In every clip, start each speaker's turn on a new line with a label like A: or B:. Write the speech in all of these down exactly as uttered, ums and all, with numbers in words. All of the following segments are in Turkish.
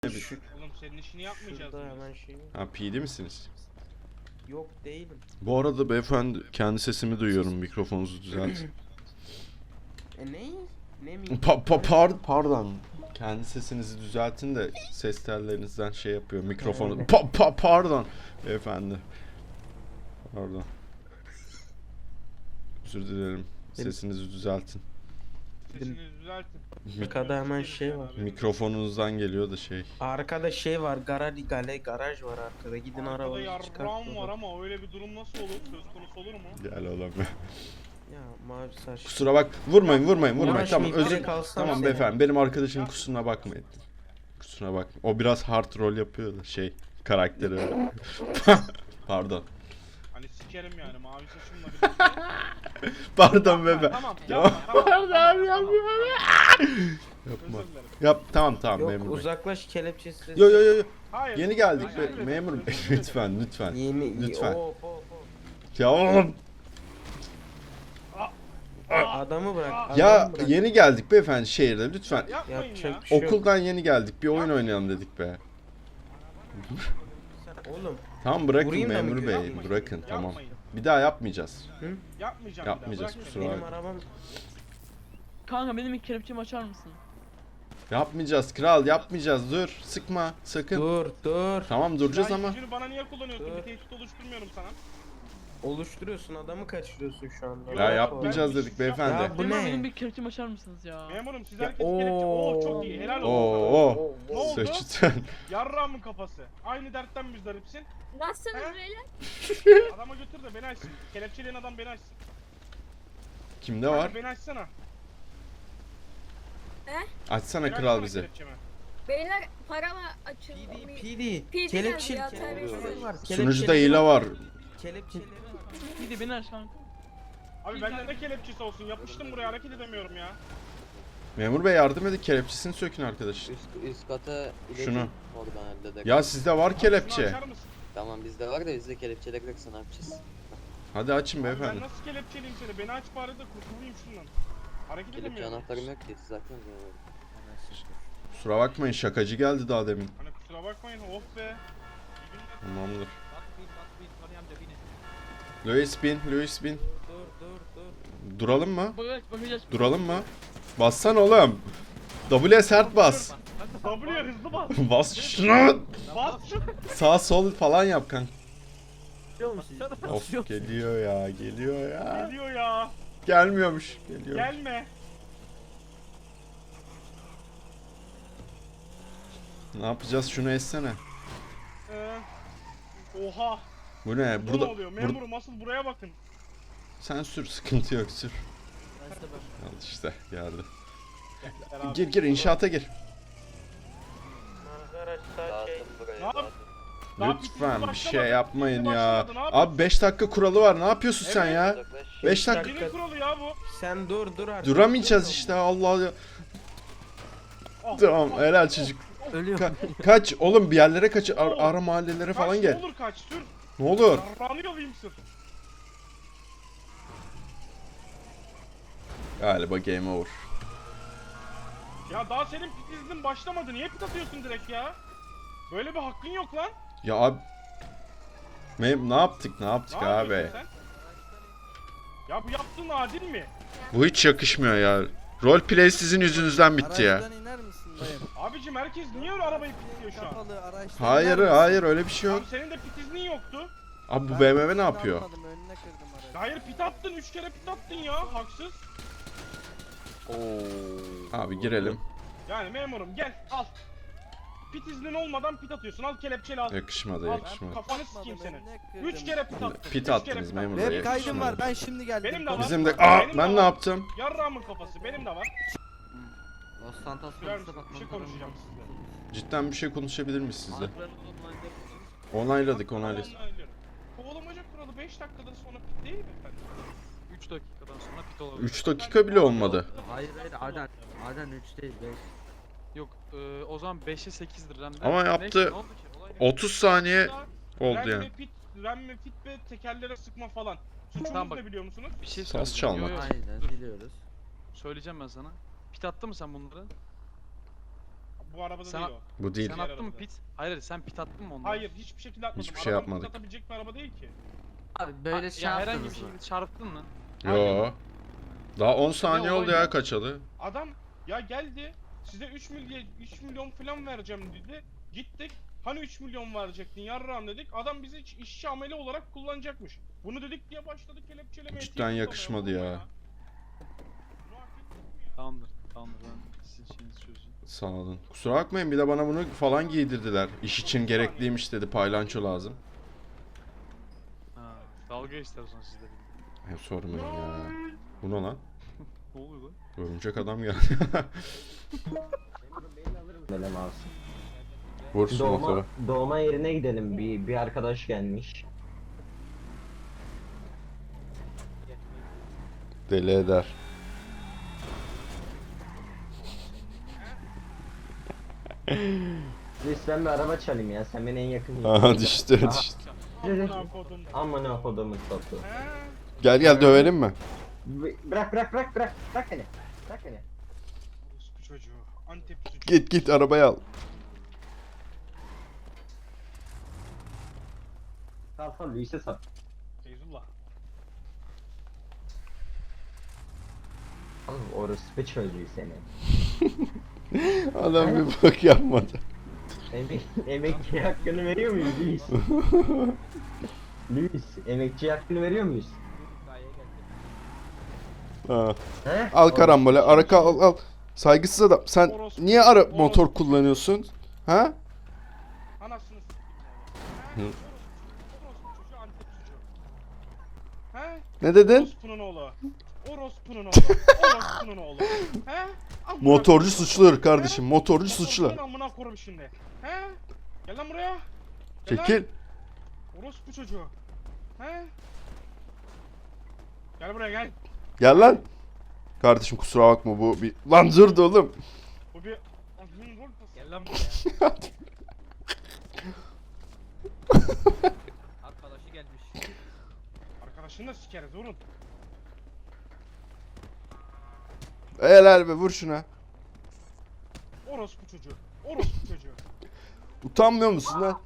A: Şu,
B: Oğlum senin işini yapmayacağız
A: şurada
B: mı?
A: hemen şey.
C: Ha P D misiniz?
A: Yok değilim.
C: Bu arada beyefendi kendi sesimi duyuyorum, mikrofonunuzu düzeltin.
A: E ne? Ne mi?
C: Pa pa par pardon. Kendi sesinizi düzeltin de ses tellerinizden şey yapıyor mikrofonu.
A: Öyle.
C: Pa pa pardon beyefendi. Pardon. Özür dilerim. Sesinizi düzeltin.
B: Sesini düzeltin.
A: Arkada hemen şey var.
C: Mikrofonunuzdan geliyor da şey.
A: Arkada şey var. Garaj gale garaj var arkada. Gidin
B: Arkada
A: arabayı
B: yarrağım
A: çıkartın.
B: var ama öyle bir durum nasıl olur? Söz konusu olur mu?
C: Gel oğlum.
A: Ya mavi saç.
C: Kusura bak. Vurmayın, vurmayın, vurmayın.
A: Uğraşmayın,
C: Tamam, özür.
A: direkt alsam
C: Tamam
A: seni.
C: beyefendi. Benim arkadaşım kusuruna bakmayın. Kusuruna bakma. O biraz hard rol yapıyor da şey karakteri öyle. Pardon.
B: Hani sikerim yani mavi saçımla birlikte.
C: Pardon bebe.
B: Tamam yapma tamam.
C: Pardon
B: tamam,
C: yapma.
B: tamam.
C: Yapma.
B: Özür dilerim.
C: Yap tamam tamam
A: Yok
C: memur bey.
A: uzaklaş kelepçesiz.
C: Yo yo yo yo.
B: Hayır.
C: Yeni geldik
B: Hayır,
C: be,
B: hayır,
C: memur
B: özür
C: bey.
B: dilerim.
C: Lütfen lütfen.
A: Yeni
C: Lütfen.
A: Oo, oo, oo.
C: Ya oğlum.
A: Adamı bırak. Adamı
C: Ya
A: bırak.
C: yeni geldik beyefendi şehirde lütfen.
B: Yapmayın ya.
A: Yapacak bir şey yok.
C: Okuldan yeni geldik. Bir oyun oynayalım dedik be.
A: Oğlum
C: Tamam bırakın
A: Vurayım da mı
C: memur bey.
B: Yapmayın,
C: Bırakın tamam.
B: yapmayın.
C: Bir daha yapmayacağız.
B: Yapmayacağım
C: Yapmayacağız,
B: bir daha.
C: kusura
B: bırak
A: benim
C: bakma.
A: arabam
D: Kanka benim ilk kelepçemi açar mısın?
C: Yapmayacağız kral yapmayacağız. Dur sıkma sakın.
A: dur dur.
C: Tamam
B: beni.
C: duracağız
B: Ya
C: ama.
B: yüzünü bana niye kullanıyorsun?
A: Dur.
B: Bir tehdit oluşturmuyorum sana.
A: Oluşturuyorsun adamı kaçırıyorsun şu anda.
B: Ya
C: Ya
A: Rahat ol.
C: yapmayacağız
B: ben-
C: dedik beyefendi.
A: Ya bu
D: Memur
A: ne?
D: benim bir kelepçemi açar mısınız ya?
B: Memurum siz
A: Ya,
B: herkes kelepçe. Oo
A: oo.
B: çok iyi. Helal olsun.
C: Oo.
B: Ne oldu?
C: Sıçtın.
B: Yarrağımın kafası. Aynı dertten müzdaripsin.
E: Nasılsınız
B: He?
E: beyler?
B: Adama götür de beni açsın. Kelepçeleyen adam beni açsın.
C: Kimde var?
B: Hadi beni açsana.
C: Açsana
B: Beni
C: kral
B: açsana
C: bize.
B: kelepçemi.
E: Beyler parama açın.
A: P D,
E: P
A: P D.
E: P D
A: Kelepçeli
E: geldi ya,
A: kelepçeleri
E: terbiyesiz.
A: var.
C: Sunucuda
A: kelepçeleri
C: hile var.
A: Kelepçeleri var.
D: Bir de beni aç kanka.
B: Abi bende ne kelepçesi olsun? Yapıştım buraya hareket edemiyorum ya.
C: Memur bey yardım edin kelepçesini sökün arkadaş.
F: Üst, üst kata iletin.
C: Şunu.
F: Oradan halledek.
C: Ya sizde var
B: Şunu
C: kelepçe.
B: açar mısın?
F: Tamam bizde var da bizde kelepçeler yoksa ne yapacağız?
C: Hadi açın
B: Abi ben
C: beyefendi.
B: nasıl kelepçeliyim seni? Beni aç bari de kurtulayım şundan. Hareket
F: Kelepçe
B: edemiyorum.
F: anahtarım yok ki zaten.
C: Kusura bakmayın şakacı geldi daha demin.
B: Hani kusura bakmayın of be. İyi günler.
C: Tamamdır. Louis bin, Louis bin.
A: Dur dur dur.
C: Duralım mı?
D: Bagaj, bagaj aç.
C: Duralım mı? Bassan oğlum. W'ye sert bas.
B: W'ye hızlı bas.
C: Bas şunu.
B: Bas şunu.
C: Sağ sol falan yap kanka.
A: Biliyor musun?
C: Of geliyor ya, geliyor ya.
B: Geliyor ya.
C: Gelmiyormuş. Geliyor.
B: Gelme.
C: Ne yapacağız? Şunu essene.
B: Ee, oha.
C: Bu ne?
B: Burada,
C: Burada,
B: ne oluyor?
C: burada
B: Memurum asıl buraya bakın.
C: sen sür, sıkıntı yok sür. Al işte geldi.
B: Beraber.
C: Gir gir inşaata gir.
A: Arkadaşlar şey.
F: Dağıtın burayı
B: Ne
F: dağıtın.
B: Daha
C: Lütfen
B: bitmedi,
C: bir şey
B: başlamadı.
C: yapmayın
B: Bitmedi,
C: ya.
B: başlamadı, ne yapıyorsun?
C: Abi beş dakika kuralı var. Ne yapıyorsun sen
B: Evet.
C: ya?
F: Uzaklaş.
C: beş dakika.
B: Senin kuralı ya bu.
A: Sen dur dur artık.
C: Duramayacağız işte Allah Allah.
B: Ah,
C: Tamam
B: ah,
C: helal
B: ah,
C: çocuk.
A: Ölüyor.
C: Ka- kaç oğlum bir yerlere kaç ar-
B: Oğlum,
C: ara mahallelere
B: Kaç,
C: falan
B: ne
C: gel.
B: olur kaç sür.
C: Ne olur.
B: Yarrağını yalayım sür.
C: Galiba game over.
B: Ya daha senin pit iznin başlamadı. Niye pit atıyorsun direkt ya? Böyle bir hakkın yok lan.
C: Ya abi. Mem ne yaptık ne yaptık
B: Ne
C: abi?
B: yapıyorsun sen? Ya bu yaptığın adil mi?
C: Bu hiç yakışmıyor ya. Roleplay sizin yüzünüzden bitti ya.
G: Araçtan iner misin dayım?
B: Abicim herkes niye öyle arabayı pitliyor şu an?
G: Kapalı araçtan
C: Hayır
G: iner misin?
C: hayır öyle bir şey yok.
B: Abi senin de pit iznin yoktu.
C: Abi bu
G: Ben
C: B M W ne
G: pitini
C: yapıyor?
G: almadım, önüne kırdım aracı.
B: Hayır pit attın. Üç kere pit attın ya. Haksız.
C: Abi girelim.
B: Yani memurum gel al. Pit iznin olmadan pit atıyorsun. Al kelepçeli al.
C: Yakışmadı
B: Al
C: yakışmadı.
B: kafanı
G: Atmadım,
B: sikeyim senin.
G: önüne kırdım.
B: Üç kere pit attın.
C: Pit
B: üç kere
C: attınız
B: pit
C: memur
B: attın.
C: bey.
G: Web kaydım
C: yakışmadı.
G: var, ben şimdi geldim.
B: Benim de var.
C: Bizim de...
B: Benim
C: Aa
B: de
C: ben
B: var.
C: ne yaptım?
B: Yarrağımın kafası benim de var.
H: Los Santos
B: Sürer
H: konusunda
B: misin? Bir şey
H: bakmam
B: konuşacağım sizle.
C: Cidden bir şey konuşabilir miyiz sizle?
H: lazım.
C: Onayladık onayladık.
B: Onaylıyorum. Kovalamaca kuralı beş dakikadan sonra pit değil mi efendim?
I: üç dakikadan sonra pit olabilir.
C: üç dakika bile olmadı.
H: Hayır hayır Arden. Arden üç değil beş.
I: Yok e, o zaman beşe sekizdir. Remden.
C: Ama yaptı.
I: Neyse, ne oldu ki? Olay ne?
C: otuz saniye oldu
B: Ren
C: yani.
B: ve pit, ren ve fit ve tekerlere sıkma falan. Suçumuz
I: Tamam bak.
B: ne biliyor musunuz?
I: Bir şey
C: Saz
I: söyleyeceğim.
C: çalmak.
I: Yo, yo,
H: Aynen
I: dur.
H: biliyoruz.
I: Söyleyeceğim ben sana. Pit attı mı sen bunları?
B: Bu arabada
I: Sen-
B: değil o.
C: Bu değil.
I: Sen attın mı pit? Hayır hayır, sen pit attın mı ondan?
B: Hayır hiçbir şekilde atmadım.
C: Hiçbir şey
B: Araba
C: yapmadık.
B: pit atabilecek bir araba değil ki.
H: Abi
I: Ha,
H: böyle şey
I: ya herhangi bir
H: yaptınız mı?
I: şekilde çarptın mı?
C: Yo. Daha on saniye
B: olay
C: oldu ya
B: ne?
C: kaçalı.
B: Adam ya geldi size üç milyon üç milyon falan vereceğim dedi. Gittik. Hani üç milyon verecektin yarrağım dedik. Adam bizi iş- işçi ameli olarak kullanacakmış. Bunu dedik diye başladık kelepçelemeye.
C: Cidden
B: tiye
C: yakışmadı
B: tutamaya,
C: ya.
B: vallahi Bunu hak ettik mi ya?
I: Tamamdır. Tamamdır, ben sizin şeyinizi çözeceğim.
C: Sağ olun. Kusura bakmayın bir de bana bunu falan giydirdiler. İş için gerekliymiş dedi. Paylanço lazım.
I: Ha, dalga ister o zaman sizde benim.
C: He sormayın ya. Bu ne lan?
I: Ne oluyor lan?
C: Örümcek adam geldi.
J: Benim alsın.
C: Vur şu
J: Doğma,
C: motoru.
J: doğma yerine gidelim. Bir, bir arkadaş gelmiş.
C: Deli eder.
J: Biz ben bir araba çalayım ya. Sen beni en yakın.
C: Aha düştü düştü.
B: Amına kodum.
J: Aman ne kodumun topu.
B: He?
C: Gel gel dövelim mi?
J: B- Bırak bırak bırak bırak. Bırak beni. Bırak beni.
B: Orospu çocuğu. Antep çocuğu.
C: Git git arabayı al.
J: Sal sal Luis'e sal.
B: Feyzullah.
J: Oğlum orospu çocuğu seni.
C: Adam bir bak yapmadı.
J: Emek, emekçi hakkını veriyor muyuz Luis? Luis, emekçi hakkını veriyor muyuz?
C: Ha.
J: He?
C: Al karambole, arka al al. Saygısız adam. Sen
B: Orospu-
C: niye ara
B: orospu
C: motor
B: çocuğu.
C: kullanıyorsun? Ha?
B: Anasını s**tim
C: Hı.
B: ya. He? Orospu çocuğu Antep çocuğu. He?
C: Ne dedin?
B: Orospunun oğlu. Orospunun oğlu. Orospunun oğlu. He? Amına
C: Motorcu
B: koyayım.
C: suçludur kardeşim. Motorcu
B: Orospunun
C: suçlu.
B: amına korum şimdi. He? Gel lan buraya. Gel lan.
C: Çekil.
B: Orospu çocuğu. He? Gel buraya gel.
C: Gel lan. Kardeşim kusura bakma bu bir... Lan durdu oğlum.
B: Bu bir... Azmin rol pası.
I: Gel lan buraya.
H: Arkadaşı gelmiş.
B: Arkadaşını da sikeriz durun.
C: Helal be vur şuna.
B: Orospu çocuğu. Orospu çocuğu.
C: Utanmıyor musun lan?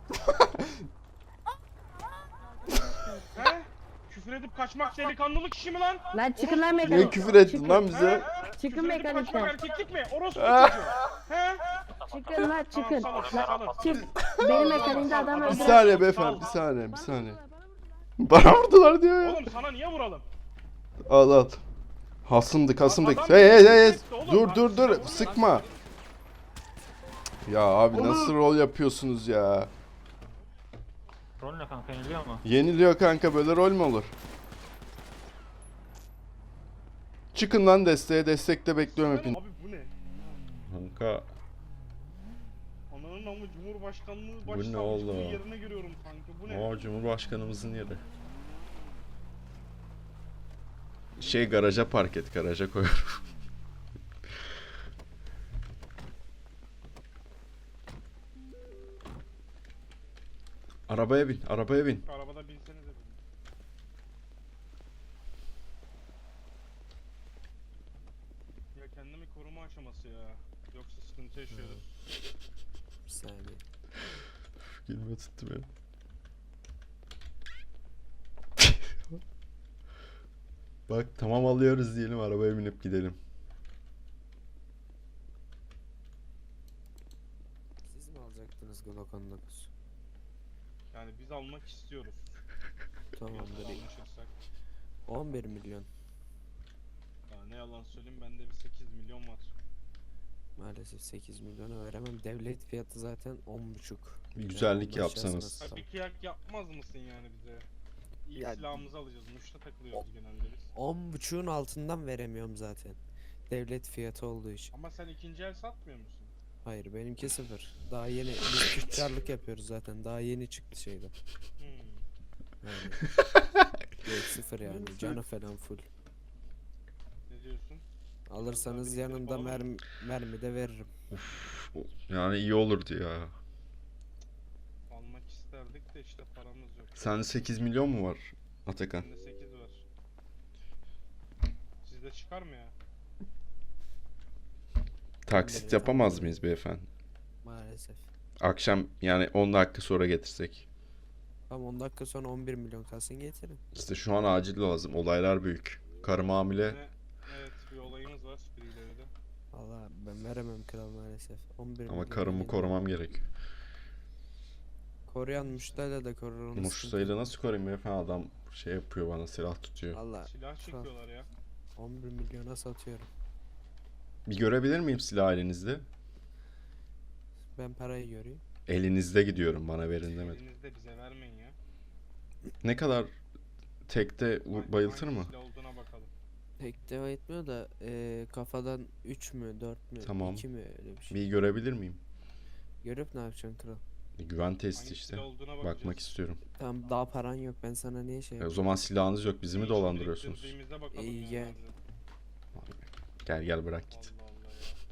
B: He? Küfür edip kaçmak delikanlılık işi mi lan?
E: Lan çıkın lan
C: Niye
E: mekanik.
C: küfür ettin lan bize?
B: He?
E: Çıkın
B: Küfür edip kaçmak
E: mekanikten.
B: erkeklik mi? Orospu çocuğu. He?
E: Çıkın lan çıkın.
B: Tamam salın salın.
E: Çık. Benim mekaniğimde adam
C: Bir
E: öldüren.
C: saniye beyefendi bir saniye bir saniye. Bana vurdular diyor ya.
B: Oğlum sana niye vuralım?
C: Al al. Hasımdık hasımdık.
B: Adam
C: Hey hey hey, hey.
B: etti oğlum,
C: Dur
B: bak
C: dur
B: size
C: dur
B: vurun
C: sıkma. Ya abi nasıl rol yapıyorsunuz ya?
I: Rol ne kanka, yeniliyor mu?
C: Yeniliyor kanka böyle rol mü olur? Çıkın lan desteğe destekte bekliyorum hepinizi.
B: Abi bu ne?
C: Kanka
B: Ananın amı Cumhurbaşkanlığı
C: Bu ne
B: başsavcılığı
C: oğlum?
B: yerine görüyorum kanka. Bu ne?
C: o Cumhurbaşkanımızın yeri. Şey garaja park et garaja koyuyorum. Arabaya bin arabaya bin.
B: Arabada binsenize dedim. Ya kendimi koruma aşaması ya. Yoksa sıkıntı yaşıyoruz.
F: Bir saniye.
C: Gülme tuttu beni. Bak tamam alıyoruz diyelim arabaya binip gidelim.
F: Siz mi alacaktınız Glock on dokuz?
B: Yani biz almak istiyoruz.
F: Tamamdır.
B: Yoksa anlaşırsak.
F: on bir milyon.
B: Ya ne yalan söyleyeyim bende bir sekiz milyon var.
F: Maalesef sekiz milyona veremem. Devlet fiyatı zaten on buçuk.
C: Bir güzellik
F: Yani
C: yapsanız.
F: ulaşırsanız
B: Ha, bir kıyak yapmaz mısın yani bize? İyi
F: Ya-
B: silahımızı alacağız. Muş'ta takılıyoruz genelde biz.
F: on buçuğun altından veremiyorum zaten. Devlet fiyatı olduğu için.
B: Ama sen ikinci el satmıyor musun?
F: Hayır benimki sıfır. Daha yeni biz tüccarlık yapıyoruz zaten. Daha yeni çıktı şeyden.
B: Hmm.
F: Yani. Yok sıfır yani. Canı falan full.
B: Ne diyorsun?
F: Alırsanız yanında mermi, mermi de veririm.
C: Yani iyi olurdu ya.
B: Almak isterdik de işte paramız yok.
C: Sende sekiz milyon mu var Atakan?
B: Bende sekiz var. Sizde çıkar mı ya?
C: taksit yapamaz mıyız beyefendi?
F: Maalesef.
C: Akşam yani on dakika sonra getirsek.
F: Tamam on dakika sonra on bir milyon kalsın getirin.
C: İşte şu an acil lazım. Olaylar büyük. Karım hamile.
B: Ne- Evet bir olayımız var birileri de.
F: Valla ben veremem kral maalesef. on bir
C: Ama
F: milyon
C: karımı
F: değil.
C: korumam gerekiyor.
F: Koruyan muştayla da korur onu.
C: Muştayla nasıl koruyayım beyefendi? Adam şey yapıyor bana, silah tutuyor.
F: Valla
B: Silah çekiyorlar ya.
F: on bir milyona satıyorum.
C: Bir görebilir miyim silah elinizde?
F: Ben parayı göreyim.
C: Elinizde gidiyorum, bana verin demedim.
B: Elinizde bize vermeyin ya.
C: Ne kadar tekte vur-
B: Hangi-
C: bayıltır
B: hangi
C: mı?
B: silah olduğuna bakalım.
F: Pek deva etmiyor da eee, kafadan üç mü dört mü
C: Tamam.
F: iki mi öyle bir şey.
C: Bir görebilir miyim?
F: Görüp ne yapacaksın kral?
C: Güven testi
B: Hangi
C: işte.
B: silah olduğuna bakacağız.
C: Bakmak istiyorum.
F: Tamam daha paran yok ben sana niye şey
C: E, o
F: yapayım?
C: zaman silahınız yok, bizi mi
B: İçinde
C: dolandırıyorsunuz?
B: ittirdiğimizde bakalım
F: İyi,
B: ya
F: gel.
B: bazen.
C: Gel gel bırak git.
B: Allah Allah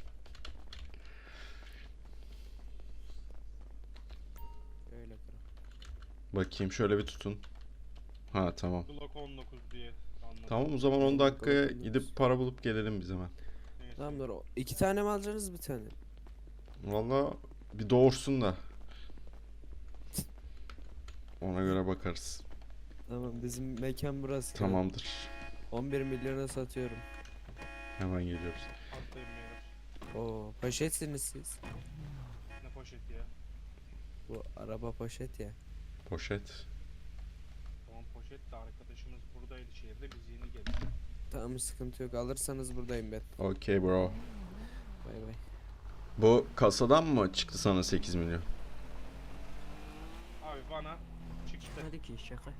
B: ya.
F: Öyle kral.
C: Bakayım şöyle bir tutun. Ha tamam.
B: Glock on dokuz diye anladım.
C: Tamam o zaman on
F: Tamam,
C: dakikaya
F: bakalım.
C: gidip para bulup gelelim biz hemen.
B: Neyse.
F: Tamam dur o. İki tane mi alacaksınız bir tane?
C: Valla bir doğursun da. Ona göre bakarız.
F: Tamam bizim mekan burası. kral.
C: Tamamdır.
F: on bir milyona satıyorum.
C: Hemen geliyoruz.
B: Atlayın beyler.
F: Oo poşetsiniz siz.
B: Ne poşeti ya?
F: Bu araba poşet ya.
C: Poşet.
B: Tamam poşet de arkadaşımız buradaydı şehirde biz yeni geldik.
F: Tamam sıkıntı yok alırsanız buradayım ben.
C: Okay bro.
F: Bay bay.
C: Bu kasadan mı çıktı sana sekiz milyon?
B: Abi bana çıktı.
H: Hadi ki şaka.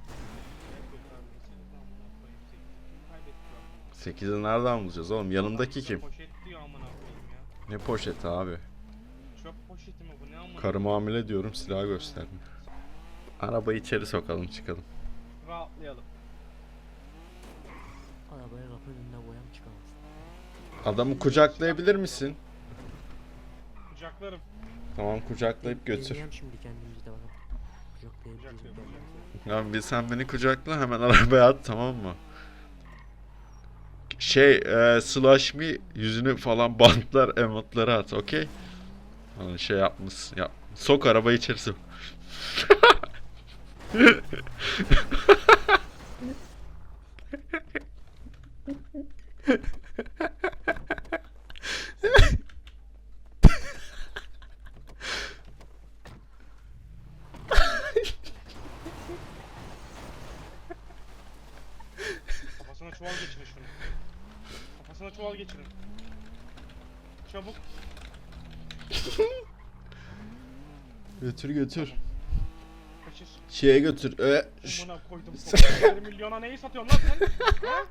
C: sekizi nereden bulacağız oğlum? Yanımdaki kim?
B: Poşet diyor amına koyayım ya.
C: Ne poşeti abi?
B: Çöp poşeti mi bu ne amına?
C: Karım hamile diyorum, silah göstermiyor. Arabayı içeri sokalım çıkalım.
B: Rahatlayalım.
H: Arabaya kapı önünde boyam çıkamaz.
C: Adamı kucaklayabilir misin?
B: Kucaklarım.
C: Tamam kucaklayıp götür.
H: Deneyeceğim şimdi kendimizi de bakalım. Kucaklayıp
B: Kucaklıyorum.
H: kucaklayıp.
C: Ya bir sen beni kucakla, hemen arabaya at, tamam mı? Şey e, slash me yüzünü falan bantlar, emotları at, okey? Hani şey yapmış yap. Sok arabayı içeri sok.
B: Kafasına çuval geçirin şunu. Kafasına çuval geçirin. Çabuk.
C: Götür götür.
B: Kaçır.
C: Şeye götür. E, ş-
B: Amına koydum. bir milyona neyi satıyorsun lan sen? Ha?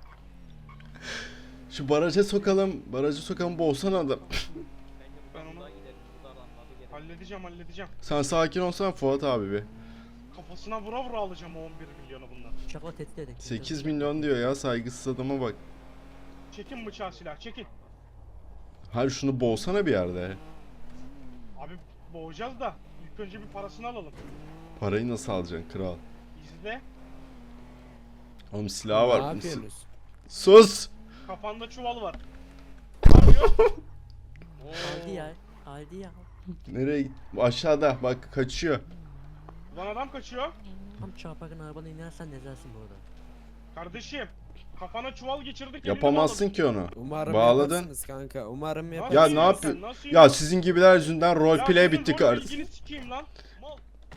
C: şu baraja sokalım. Baraja sokalım, boğsana adam.
B: Ben onu halledeceğim halledeceğim.
C: Sen sakin olsana Fuat abi bir.
B: Kafasına vura vura alacağım o on bir milyonu bundan.
H: Şaka tehdit edin.
C: sekiz milyon diyor ya, saygısız adama bak.
B: Çekin bıçağı silah çekin.
C: Hayır şunu boğsana bir yerde.
B: Abi boğacağız da ilk önce bir parasını alalım.
C: Parayı nasıl alacaksın kral?
B: İzle.
C: Oğlum silahı
F: Ne
C: var.
F: yapıyorsunuz?
C: Sus!
B: Kafanda çuval var. Ne yapıyor?
H: Aldı ya. Aldı ya.
C: Nereye git? Aşağıda bak, kaçıyor.
B: Lan adam kaçıyor.
H: Tam çarparken arabadan inersen nezersin bu arada.
B: Kardeşim. Kafana çuval geçirdik.
C: Yapamazsın ki onu.
F: Umarım
C: Bağladın.
F: yaparsınız kanka. Umarım
B: Nasıl
C: Ya
F: yaparsınız.
C: ne
B: yiyorsun?
C: yapıyor?
B: Nasıl
C: Ya
B: yiyorsun?
C: sizin gibiler yüzünden
B: Ya
C: roleplay
B: senin
C: bitti
B: rol
C: kardeşim.
B: bilgini sikeyim lan. Mal.